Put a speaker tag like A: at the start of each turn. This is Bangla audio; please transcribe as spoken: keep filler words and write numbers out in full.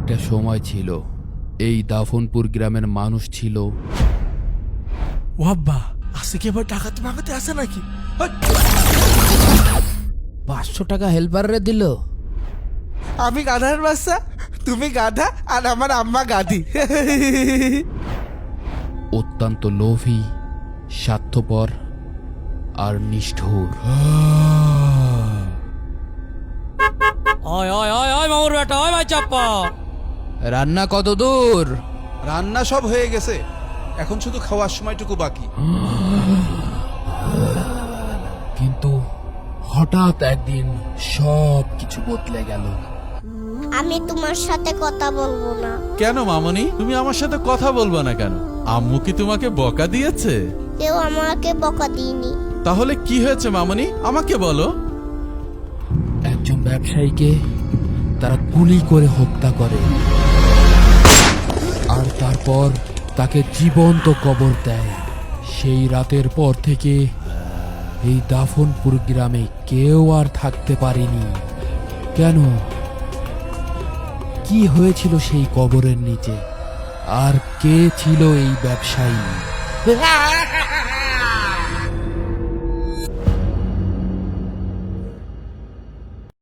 A: একটা সময় ছিল, এই দাফনপুর গ্রামের মানুষ ছিল।
B: ও আব্বা, আজকে কি আবার ডাকাতি মাগাতে আসে নাকি?
C: পাঁচশো টাকা হেল্পারে দিল।
B: আমি গাধার বাচ্চা, তুমি গাধা, আর আমার আম্মা গাধি।
A: অত্যন্ত লোভী, স্বার্থপর আর নিষ্ঠুর।
D: ওই ওই ওই ওই মামুর বেটা, ওই ভাই চাপ্পা।
A: রান্না কত দূর?
E: রান্না সব হয়ে গেছে, এখন শুধু খাওয়ার সময়টুকু বাকি।
A: কিন্তু হঠাৎ একদিন সব কিছু বদলে গেল।
F: আমি তোমার সাথে কথা বলবো না।
G: কেন মামনি, তুমি আমার সাথে কথা বলবে না কেন? আম্মু কি তোমাকে বকা দিয়েছে?
F: কেউ আমাকে বকা দিইনি।
G: তাহলে কি হয়েছে মামনি, আমাকে বলো।
A: একজন ব্যবসায়ীকে তারা গুলি করে হত্যা করে, আর তারপর তাকে জীবন্ত কবর দেয়। সেই রাতের পর থেকে এই দাফনপুর গ্রামে কেউ আর থাকতে পারেনি। কেন? কি হয়েছিল সেই কবরের নিচে? আর কে ছিল এই ব্যবসায়ী?